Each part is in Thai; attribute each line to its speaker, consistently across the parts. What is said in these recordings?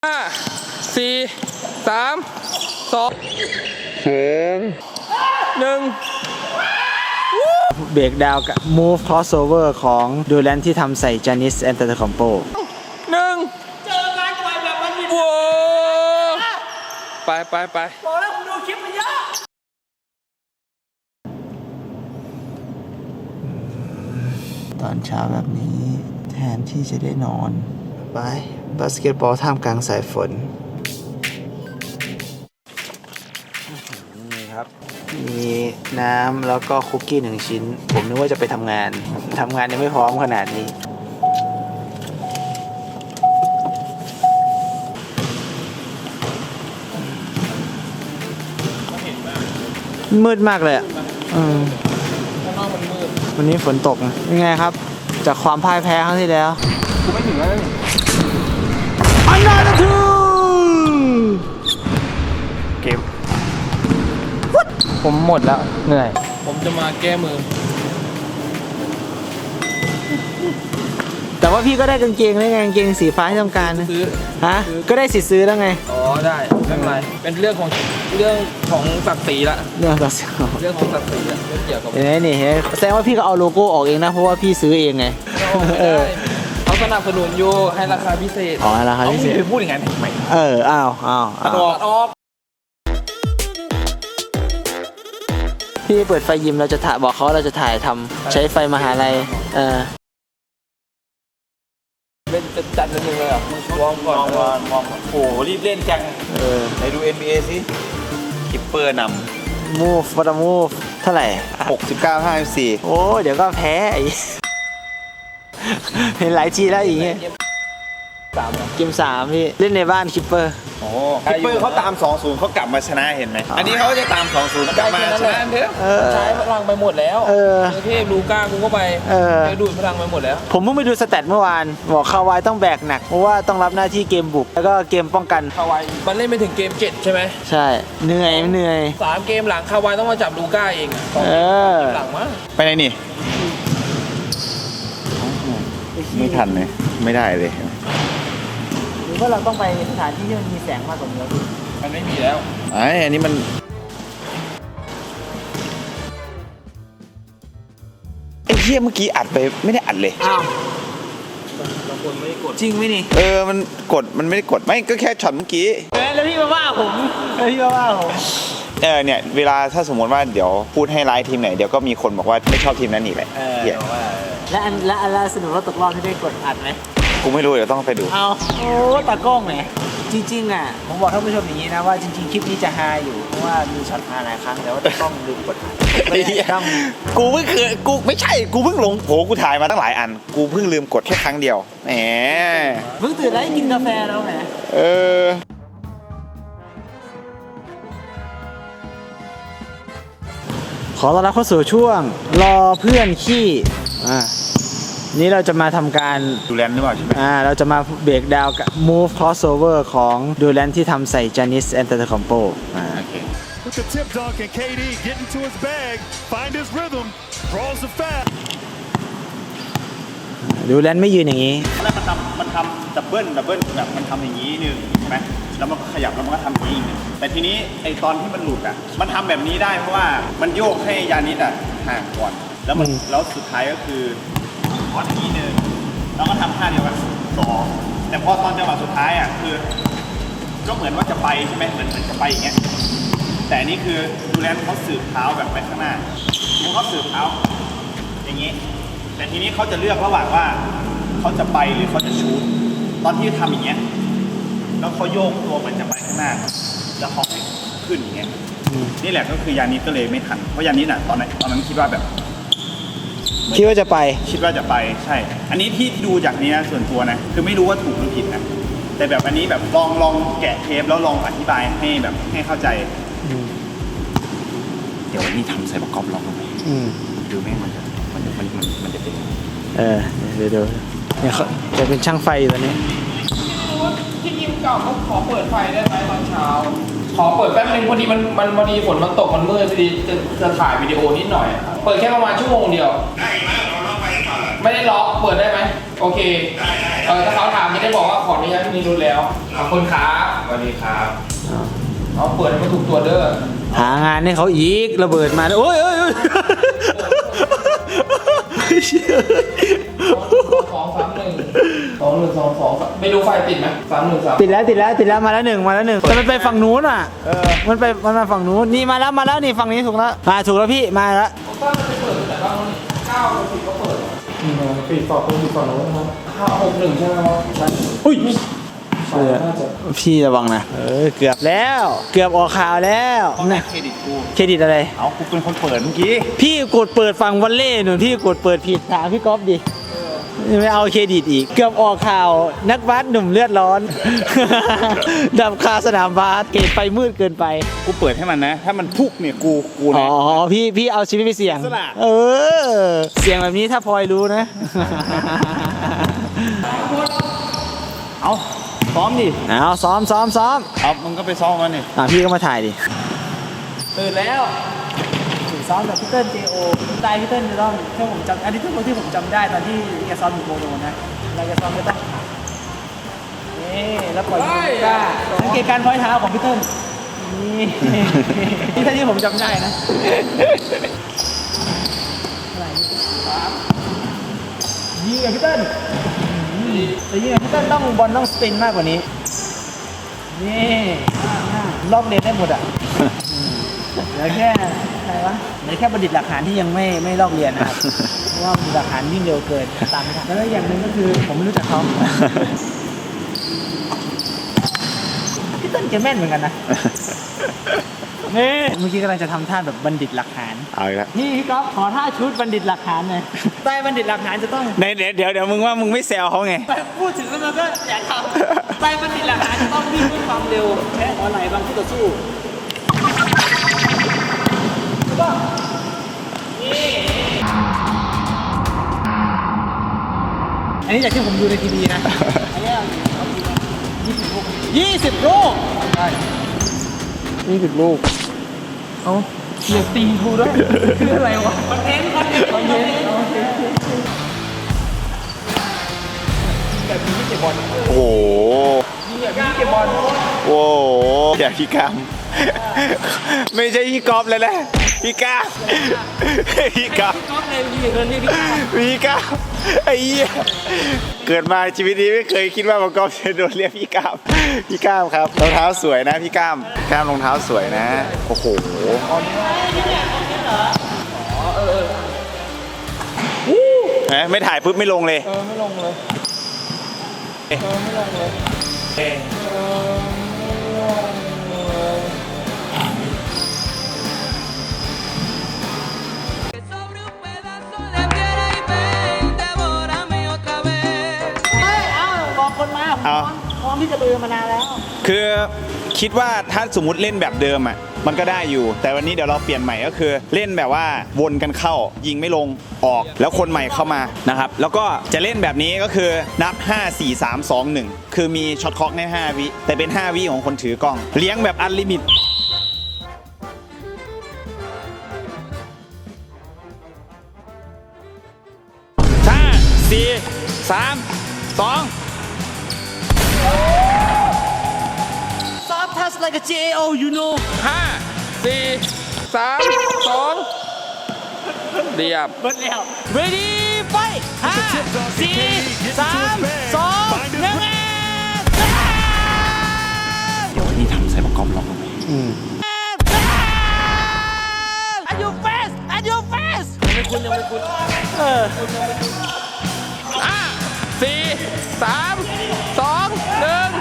Speaker 1: 5 4 3 2 1
Speaker 2: เบรกดาวกับ Move Crossover ของดูแลนที่ทำใส่ Giannis Antetokounmpo
Speaker 1: เจอการปล่อยแบบมันมีว้ไปบอกแล้วผมดูคลิปมันเยอะ
Speaker 2: ตอนเช้าแบบนี้แทนที่จะได้นอนไปบาสเกตบอลท่ามกลางสายฝนนี่ครับมีน้ำแล้วก็คุกกี้1 ชิ้นผมนึกว่าจะไปทำงานยังไม่พร้อมขนาดนี้มืดมากเลยอ่ะวันนี้ฝนตกนะยังไงครับจากความพ่ายแพ้ครั้งที่แล้วกูไม่ถึงแล้วอันนั้นทูเกมผมหมดแล้วเหนื่อย
Speaker 1: ผมจะมาแก้มือ
Speaker 2: แต่ว่าพี่ก็ได้กางเกงแล้วไงกางเกงสีฟ้าที่ต้องการนะ
Speaker 1: ซื้อ
Speaker 2: ฮะก็ได้สิทธิ์ซื้อแล้วไง
Speaker 1: อ๋อได้ไม่เป็นไรเป็นเรื่องของศักดิ์ศรีละ
Speaker 2: เรื่องของศักดิ์ศรีละ
Speaker 1: เรื่องเกี่ยวกับ
Speaker 2: นี่แสดงว่าพี่ก็เอาโลโก้ออกเองนะเพราะว่าพี่ซื้อเองไง
Speaker 1: เขาสนับสนุนอยู่ให้ราคาพิเศษ
Speaker 2: อ๋อราคาพิเศษ
Speaker 1: ไปพูดอย่างนั้นทำไม
Speaker 2: อ้าว
Speaker 1: ออก
Speaker 2: พี่เปิดไฟยิมเราจะถ่ายบอกเขาเราจะถ่ายทำใช้ไฟมหาลัย
Speaker 1: เล่นจัดนิดนึงเลยเหรอวอร์มก่อนมองโอ้โหรีบเล่นจัง
Speaker 3: ไหนดู NBA สิคิปเปอร์น
Speaker 2: ำมูฟเท่าไหร่
Speaker 3: 69-54
Speaker 2: โอ้เดี๋ยวก็แพ้เห็นหลายทีแล้วอย่างเงี้ยเกม 3พี่เล่นในบ้านคิปเปอร์
Speaker 3: คิปเปอร์เขาตาม 2-0เขากลับมาชนะเห็นไหมอันนี้เขาจะตาม 2-0 กลับมาชนะ
Speaker 1: เถอะใช้พลังไปหมดแล้วเทพลูก้ากูก็ไปดูดพลังไปหมดแล้ว
Speaker 2: ผมเพิ่งไปดูสแตทเมื่อวานบอกคาวายต้องแบกหนักเพราะว่าต้องรับหน้าที่เกมบุกแล้วก็เกมป้องกัน
Speaker 1: คาวายมันเล่นไปถึงเกม7ใช่ไหม
Speaker 2: ใช่เหนื่อย
Speaker 1: 3 เกมหลังคาวายต้องมาจับลูก้าเองหลังมั้ง
Speaker 3: ไปไหนนี่ไม่ทันเลยไม่ได้เลย
Speaker 2: หรือว่าเราต้องไปสถานที่ที่มันมีแสงมากกว่านี้
Speaker 1: มันไม่มีแล้ว
Speaker 3: อันนี้มันไอ้เหี้ยเมื่อกี้อัดไปไม่ได้อัดเลย
Speaker 2: อ้าว
Speaker 1: บางคนไม่ได้กด
Speaker 2: จริงไหมนี่
Speaker 3: มันกดมันไม่ได้กดไม่ก็แค่ช็อตเมื่อกี้
Speaker 2: แล้วพี่มาว่าผม
Speaker 3: เนี่ยเวลาถ้าสมมติว่าเดี๋ยวพูดให้ร้ายทีมไหนเดี๋ยวก็มีคนบอกว่าไม่ชอบทีมนั้นอีกแหละ
Speaker 2: และอันล่าสุดว่าตกรอบที่ได้กดอัดไหม
Speaker 3: กูไม่รู้เดี๋ยวต้องไปดู
Speaker 2: โอ้ตากล้องไหนจริงๆอ่ะผมบอกท่านผู้ชมอย่างนี้นะว่าจริงๆคลิปนี้จะฮาอยู่เพราะว่ามีช็อตฮาหลายครั้งแต่ว่าตากล้องลืมกดอัด
Speaker 3: กูเพิ่งกูไม่ใช่กูเพิ่งลงโหกูถ่ายมาตั้งหลายอันกูเพิ่งลืมกดแค่ครั้งเดียวแหม
Speaker 2: เพิ่งตื่นแล้วกินกาแฟแล้วแหมขอต้อนรับเข้าสู่ช่วงรอเพื่อนขี้นี้เราจะมาทำการ
Speaker 3: ดูแลนหรือเปล่าใช่ไหม
Speaker 2: เราจะมาเบรกดาวกับ Move Crossover ของดูแลนที่ทำใส่ Giannis Antetokounmpo
Speaker 4: With the tip dunk and KD get into his bag, find his rhythm, draws the foul.
Speaker 2: ดูแลนไม่ยืนอย่างนี้
Speaker 3: แล้วมันทำดับเบิลแบบมันทำอย่างนี้นึงใช่ไหมแล้วมันก็ขยับแล้วมันก็ทำอย่างนี้นึงแต่ทีนี้ไอตอนที่มันหลุดมันทำแบบนี้ได้เพราะว่ามันโยกให้ยานิสห่างก่อนแล้วสุดท้ายก็คือพออย่างนี้นึงแล้วก็ทำท่าเดียวกัน2แต่พอตอนจังหวะสุดท้ายคือก็เหมือนว่าจะไปใช่ไหมเหมือนจะไปอย่างเงี้ยแต่นี่คือดูแลเขาสืบเท้าแบบไปข้างหน้าเขาสืบเท้าอย่างนี้แต่ทีนี้เขาจะเลือกระหว่างว่าเขาจะไปหรือเขาจะชูตตอนที่ทำอย่างเงี้ยแล้วเขาโยกตัวมันจะไปข้างหน้าแล้วเขาขึ้นอย่างเงี้ยนี่แหละก็คือยานิสก็เลยไม่ทันเพราะยานิสตอนนั้นคิดว่า
Speaker 2: จะไป
Speaker 3: ใช่อันนี้ที่ดูจากนี้ส่วนตัวนะคือไม่รู้ว่าถูกหรือผิดนะแต่แบบอันนี้แบบลองแกะเทปแล้วลองอธิบายให้เข้าใจเดี๋ยววันนี้ทำใส่ประกอบลองดูไหมดูแม่งมันจะเป็น
Speaker 2: เดี๋ยวเนี่ยเขาจะเป็นช่างไฟตอนนี้
Speaker 1: ที่ยิมเก่าเขาขอเปิดไฟได้ไหมตอนเช้าขอเปิดแป๊บนึงพอดีมันพอดีฝนมันตกมันมืดพอดีจะถ่ายวิดีโอนิดหน่อยเปิดแค่ประมาณชั่วโมงเดียวได้ไหมเราล็อกไฟก่อนไม่ได้ล็อกเปิดได้ไหมโอเคถ้าเขาถามจะได้บอกว่าขออนุญาตพี่นิรุธแล้วขอบคุณครับสวัสดีครับเอาเปิดให้มันถูกตัวเด้อ
Speaker 2: หางานให้เขาอีกระเบิดมาโอ้ยโอ้ยโอ้ย
Speaker 1: 2-1-2-1-2-1ไม่รู้ไฟติดไหม3-1-3
Speaker 2: ติดแล้วมาแล้วหนึ่งแต่มันไปฝั่งนู้นอ่ะมันมาฝั่งนู้นนี่มาแล้วนี่ฝั่งนี้ถูกแล้วถูกแล้วพี่มาแล้ว
Speaker 1: ผมว่ามันจะเปิดแต่ว่า9 กับ 10ก็เปิดปิดฝั่งนู้นนะครับ5-6-1ใช่ไหมครับอุ้ย
Speaker 2: พี่ระวังนะเกือบแล้วเกือบออกข่าวแล้วนะ
Speaker 3: เครดิตกู
Speaker 2: เครดิตอะไร
Speaker 3: เอากูเป็นคนเปิดเมื่อกี้
Speaker 2: พี่กดเปิดฝั่งวอลเล่หนูพี่กดเปิดผิดถามพี่ก๊อฟดิไม่เอาเครดิตอีกเกือบออกข่าวนักบาสหนุ่มเลือดร้อน ดับคาสนามบาสเกตไฟมืดเกินไป
Speaker 3: กูเปิดให้มันนะ ถ้ามันพุกเนี่ยกู
Speaker 2: อ๋
Speaker 3: เนี่
Speaker 2: อยพี่เอาชีวิตไปเสี่ยง
Speaker 3: สละ
Speaker 2: เสี่ยงแบบนี้ถ้าพลอยรู้นะ
Speaker 3: เอาซ้อมดิ
Speaker 2: เอาซ้อม
Speaker 3: เอามึงก็ไปซ้อมมันนี่
Speaker 2: พี่ก็มาถ่ายดิ
Speaker 1: ตื่นแล้ว
Speaker 2: ซ้อมแบบพี่เติ้ล JO สไตล์พี่เติ้ลจะต้องถ้าผมจำอันนี้ที่ผมจำได้ตอนที่แกซ้อมอยู่โมโนนะเราจะซ้อมไม่ต้องนี่แล้วปล่อยมือก้าสังเกตการพอยเท้าของพี่เติ้ลนี่ที่ท่าที่ผมจำได้นะยิงกับพี่เติ้ลแต่ยิงกับพี่เติ้ลต้องบอลต้องสปินมากกว่านี้นี่รอบเลนได้หมดอ่ะเหลือแค่อะไรวะเหลือแค่บัณฑิตหลักฐานที่ยังไม่ลอกเรียนนะครับ เพราะว่าบัณฑิตหลักฐานวิ่งเร็วเกินตามไม่ทันแล้วอย่างหนึ่งก็คือผมไม่รู้จักเขาพี่เต้นแกแม่นเหมือนกันนะนี่เมื่อกี้กำลังจะทำท่าแบบบัณฑิตหลักฐาน
Speaker 3: เอาอีกแล้ว
Speaker 2: นี่พี่ก๊อฟขอท่าชุดบัณฑิตหลักฐานหน่อยใต้บัณฑิตหลักฐานจะต้อง
Speaker 3: เดี๋ยวมึงว่ามึงไม่แซวเขาไง
Speaker 2: พูดถึงแล้วมันก็อยากทำใต้บัณฑิตหลักฐานจะต้องวิ่งด้วยความเร็วแพ้หัวไหล่บางคู่ต่อสู้อันนี้จากที่ผมดูในทีวีนะ อันนี้20 ลูกใช่20 ลูกเอาเกียร์ตีกูด้วยคืออะไรวะคอนเทนต์แบบนี้ไม่เก็บบอล
Speaker 3: โอ้โห
Speaker 2: แบบนี้เก็บบอล
Speaker 3: โอ้โหอย่าพี่กามไม่ใช่พี่กอล์ฟเลยนะพี่กามพี่กาม
Speaker 2: ก๊อฟเลยยืนเรียกพี่ก้า
Speaker 3: พี่กามไอ้เหี้ยเกิดมาชีวิตนี้ไม่เคยคิดว่ามังกรจะโดนเรียกพี่กามครับรองเท้าสวยนะพี่กามรองเท้าสวยนะโอ้โหไม่ถ่ายปุ๊บไม่ลงเลย
Speaker 1: ไม่ลงเลย
Speaker 2: บอกคนมาพร้อมที่จะเบือมานานแล้ว
Speaker 3: คือคิดว่าถ้าสมมุติเล่นแบบเดิมอ่ะมันก็ได้อยู่แต่วันนี้เดี๋ยวเราเปลี่ยนใหม่ก็คือเล่นแบบว่าวนกันเข้ายิงไม่ลงออกแล้วคนใหม่เข้ามานะครับแล้วก็จะเล่นแบบนี้ก็คือนับ5 4 3 2 1คือมีช็อตคล็อกใน5วิแต่เป็น5วิของคนถือกล้องเลี้ยงแบบอันลิมิต
Speaker 2: Soft touch like a JO you know
Speaker 1: 5 4 3 2เรียบ
Speaker 2: เบิดแล้ว Ready fight 5 4 3 2 1เดี๋ยวนี้ทำใส่ประกอบล็อกลงไปAt your face At your face
Speaker 1: ยังไม่คุ้น5 4 3 2 1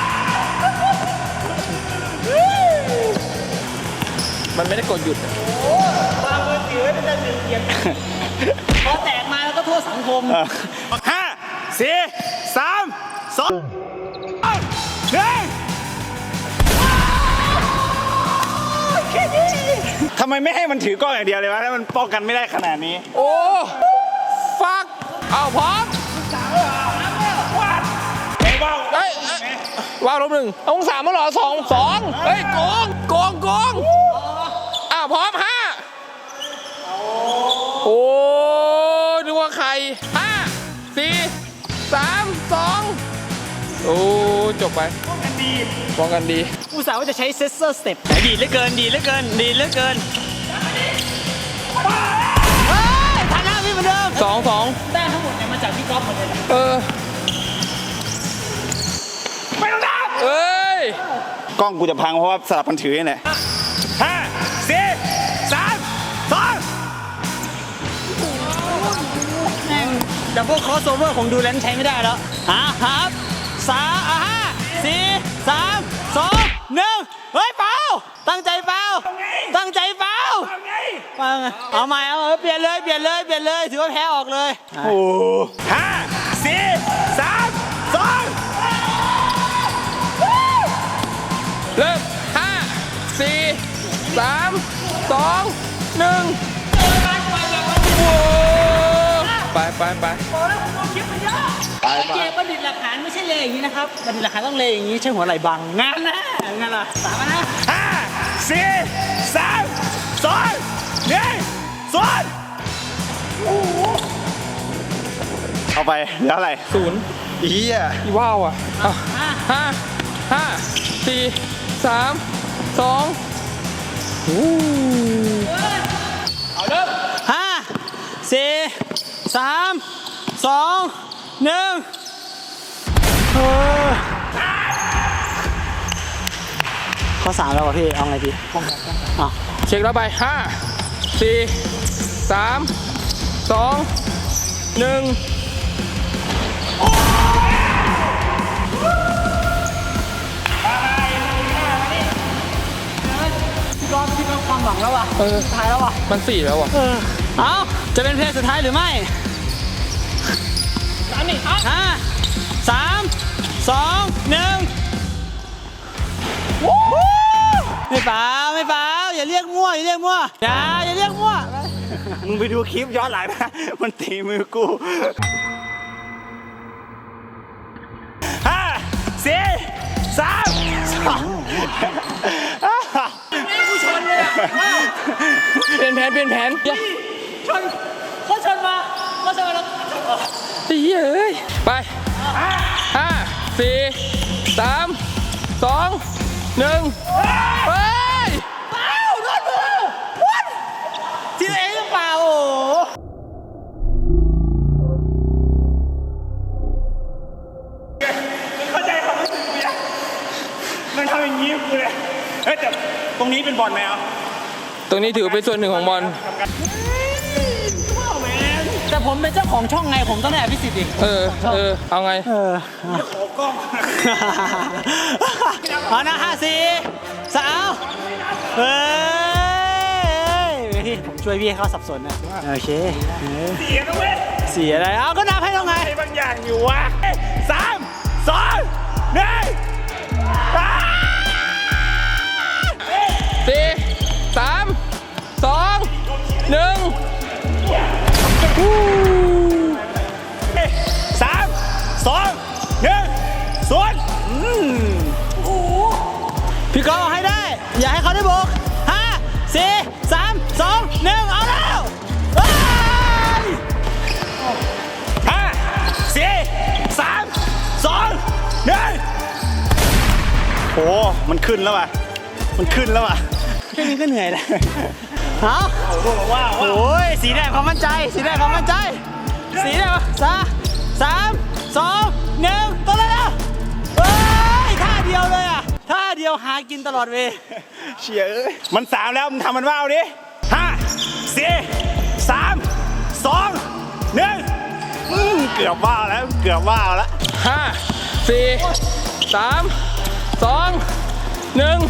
Speaker 1: มันไม่ได้กดหยุด
Speaker 2: วางมือถือไว้เป็นจะเกียรพอแตกมาแล้วก็โทษสังคม
Speaker 3: 5 4 3 2 1ทำไมไม่ให้มันถือกล้องอย่างเดียวเลยวะถ้ามันป้องกันไม่ได้ขนาดนี้
Speaker 1: โอ้ฟักเอาพร้อมว้าวลบ1องศามาหรอ2เฮ้ยโกงพร้อม5โอ้นึกว่าใคร5 4 โอ้จบไปป้องกันดี
Speaker 2: อุตส่าห์ว่าจะใช้เซสเซอร์สเต็ปดีเหลือเกินดีเหลือเกินดีเหลือเกินเฮ้ยฐานะพี่เหมือนเดิม
Speaker 1: 2
Speaker 2: แต้มทั้งหมดเนี่ยมาจากพี่ก๊อฟหมดเลย
Speaker 1: ไม่ต้องนับเอ้ย
Speaker 3: กล้องกูจะพังเพราะว่าสลับกันถือนี่แหละ5 4 3 2
Speaker 2: แม่งดับเบิลคอสโอเวอร์ของดูแลนใช้ไม่ได้แล้วครับ5 4 3 2 1เฮ้ยเปล่าตั้งใจเปล่าตั้งใจเปล่าเอาใหม่เอาเปลี่ยนเลยถือว่าแพ้ออกเลย
Speaker 3: โอ้5 4 3 2
Speaker 1: เริ่ม5 4 3 2 1โอ้ไป
Speaker 2: เจประดิษฐ์หลักฐานไม่ใช่เลยอย่างนี้นะครับประดิษฐ์หลักฐานต้องเลยอย่างนี้ใช่หัวไหล่บังงานนะงานละ3นะ
Speaker 3: 5 4 3 2 1 0เอาไปเดี๋ยวอะไร
Speaker 1: 0
Speaker 3: เฮีย
Speaker 1: อีว้าวอ่ะ5 4 3 2เอาเริ่ม
Speaker 2: 5 4 3 2 1ข้อ3แล้วว่ะพี่เอาไงดีอ่ะ
Speaker 1: เช็คแล้วไป5 4 3 2 1
Speaker 2: พี่ก็ความหวังแล้วว่ะสุดท้ายแล้วว่ะ
Speaker 1: มัน4แล้วอ่ะ
Speaker 2: เอาจะเป็นเพลงสุดท้ายหรือไม่3 2 1ไม่เปล่าอย่าเรียกมั่วอย่าเรียกมั่ว
Speaker 3: มึงไปดูคลิปย้อนหลังนะมันตีมือกู5 4 3 2
Speaker 2: ไม่กูชนเลยอ่ะ
Speaker 1: เปลี่ยนแผน
Speaker 2: ชนเขาชนมาแล้ว
Speaker 1: เฮ้ยไป5 4 3 2 1เฮ้ย
Speaker 2: เปล่าโดนมือวัดทีเองหรือเปล่าโอ้
Speaker 3: เข้าใจความรู้สึกกูยังมันทำอย่างนี้กูเลยเฮ้ยแต่ตรงนี้เป็นบอลไหมอ่ะ
Speaker 1: ตรงนี้ถือเป็นส่วนหนึ่งของบอล
Speaker 2: แต่ผมเป็นเจ้าของช่องไงผมต้องได้อภิสิทธิ์ดิ
Speaker 1: เอาไง
Speaker 3: ขอกล้อง
Speaker 2: เอานะ5 4 3เฮ้ยผมช่วยพี่ให้เขาสับสนนะโอเค
Speaker 3: เสียนะเว้ย
Speaker 2: เสียอะไรเอาก็นับให้ต้องไง
Speaker 3: บางอย่างอยู่วะ3 2
Speaker 1: 4 3 2
Speaker 2: พี่ก๊อฟเอาให้ได้อย่าให้เขาได้บุก5 4 3 2 1เอาแล้วเฮ้ย
Speaker 3: 5 4 3 2 1โอ้มันขึ้นแล้วว่ะ
Speaker 2: แค่นี้ก็เหนื่อยแล้วเอาโอ้ยสีแดงความมั่นใจสีแดง3 2 1ตัวเลยนะเฮ้ยท่าเดียวเลยอ่ะท่าเดียวหากินตลอดเวลา
Speaker 3: เชี่ยเอ้ยมัน3แล้วมึงทำมันว่าวดิ5 4 3 2 1เกือบว่าวแล้ว
Speaker 1: 5 4 3 2 1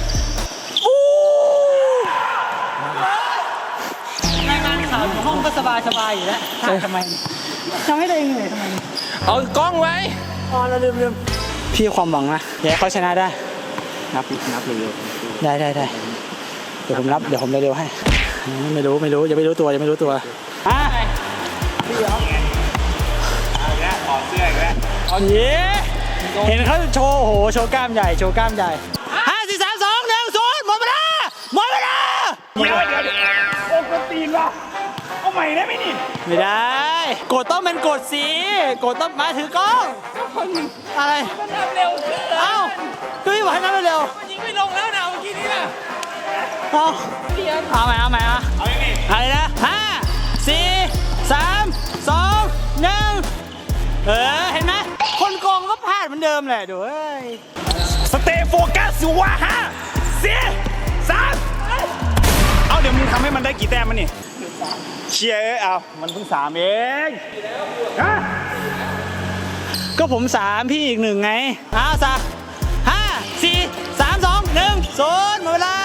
Speaker 2: รายงานข่าวอยู่ห้องก็สบายอยู่แล้วทำไมให้ตัวเองเหนื่อยทำไม
Speaker 1: เอากล้องไว้
Speaker 2: เราลืมพี่ความหวังนะอยากให้เขาชนะได้นับเร็วได้เดี๋ยวผมเร็วให้ไม่รู้อย่าไม่รู้ตัวพี่เหรอ
Speaker 3: ถอดเสื้ออีกแล้ว
Speaker 2: เอาเย้เห็นเขาโชว์โชว์กล้ามใหญ่5 4 3 2 1 0หมดเวลา
Speaker 3: เดี๋ยวโอ้กตีนว่ะโอ้เอาใหม่ได้ไหมนี่
Speaker 2: ไม่ได้กดต้องเป็นกดสีกดต้องมาถือกล้องอะไร
Speaker 1: มันทำเร็วขึ้น
Speaker 2: เอ้าก็พี่บอกให้นับเร็ว
Speaker 1: มันยิงไม่ลงแล้วนะเมื่อกี้นี้น่ะ
Speaker 2: ๆเอาใหม่เอาอย่างนี้อะไรนะ5 4 3 2 1เห็นไหมคนโกงก็พลาดเหมือนเดิมแหละดูเอ้ย
Speaker 3: สเตย์โฟกัสอยู่ว่า5 4 3เอาเดี๋ยวมึงทำให้มันได้กี่แต้มมันนี่เชียร์เอามันเพิ่ง3เองฮะ
Speaker 2: ก็ผม3พี่อีก1ไงเอา5 4 3 2 1 0หมดเวลา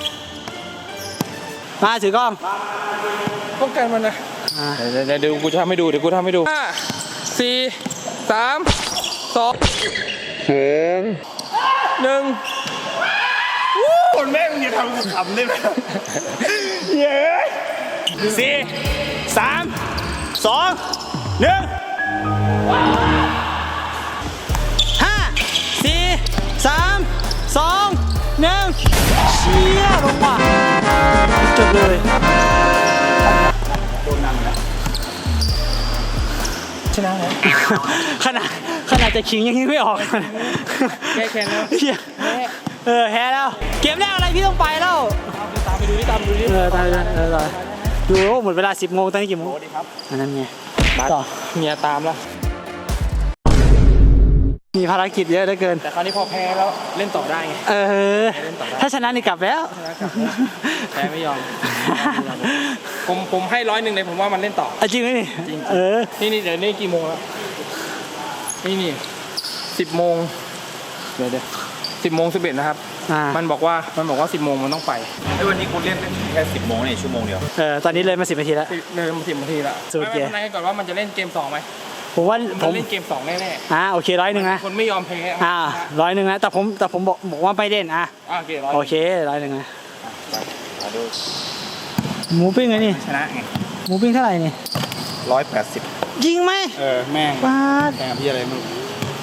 Speaker 2: มาถือกล้อง
Speaker 1: ป้องกันมันนะเดี๋ยวกูทำให้ดู5 4 3 2 1
Speaker 3: คนแม่งจะทำกูขำได้ไหมเย้4 3 2 1
Speaker 2: 5 4 3 2 1เชี่ยลงว่ะจบเลยชนะแล้วขนาดจะขิงยังยิงไม่ออก
Speaker 1: แค่แล้ว
Speaker 2: เหี้ยแพ้แล้วเกมแรกอะไรพี่ต้องไปแล้ว
Speaker 1: ตามไปดูดิตามดูดิ
Speaker 2: ตามดูหมดเวลา 10 โมงตอนนี้กี่โมงอันนั้นไงต่อ
Speaker 1: เมียตามแล้ว
Speaker 2: มีภารกิจเยอะเหลือเกิน
Speaker 1: แต่คราวนี้พอแพ้แล้วเล่นต่อได้ไง
Speaker 2: ถ้าชนะนี่กลับแล้ว
Speaker 1: แพ้ไม่ยอม ผมให้100เลยผมว่ามันเล่นต่อ
Speaker 2: จริงไหมนี่
Speaker 1: จริง
Speaker 2: นี่
Speaker 1: เดี๋ยวนี่กี่โมงแล้วนี่10 โมงเดี๋ยว10 โมง 11นะครับ มันบอกว่า10 โมงมันต้องไป
Speaker 3: ไอ้วันนี้คุณเล่นแค่10 โมงนี่ชั่วโมงเดียว
Speaker 2: ตอนนี้เลยมา10 นาทีแล้ว
Speaker 1: เลยมา10 นาทีแล้ว
Speaker 2: สุดเกม
Speaker 1: ไม่เป็นไรก่อนว่ามันจะเล่นเกม2ไหม
Speaker 2: ผมว่าผ
Speaker 1: มัน
Speaker 2: ม
Speaker 1: เล่นเกม2แน่
Speaker 2: โอเค100นะ
Speaker 1: ๆคนไม่ยอมแพ้
Speaker 2: 100นะแต่ผมบอกว่าไม่เล่น
Speaker 1: โอเค100
Speaker 2: โอเค100นะหมูปิ้งไงนี่
Speaker 3: ชนะไง
Speaker 2: หมูปิ้งเท่าไหร่นี่
Speaker 3: 180
Speaker 2: จริงไหม
Speaker 3: แม่ง
Speaker 2: ป้าด
Speaker 3: แม่งพี่อะไรมึง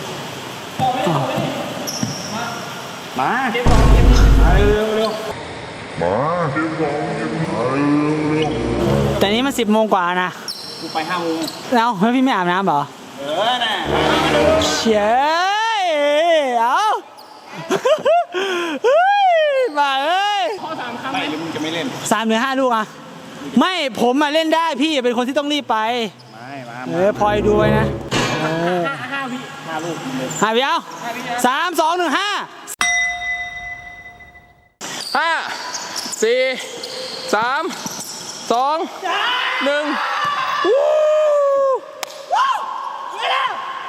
Speaker 3: มา
Speaker 1: เกม2เร็ว
Speaker 2: แต่นี้มัน10 โมงกว่านะ
Speaker 3: กูไป5 โมง
Speaker 2: แล้วพี่ไม่อาบน้ำเหรอ
Speaker 3: น่ะ
Speaker 2: เชี่ยเอาบ้าเอ้ย
Speaker 1: ข้อ3ครั้ง
Speaker 3: ไม่หรือมึงจะไม่เล่น
Speaker 2: 3 หรือ 5 ลูกไม่ผมเล่นได้พี่เป็นคนที่ต้องรีบไป
Speaker 3: ไม่มา
Speaker 2: พลอยดูไว้นะ
Speaker 1: 5 วิ
Speaker 3: 5 ลูกเลย
Speaker 2: 5 วิเอา3 2 1 5
Speaker 1: 5 4 3 2 1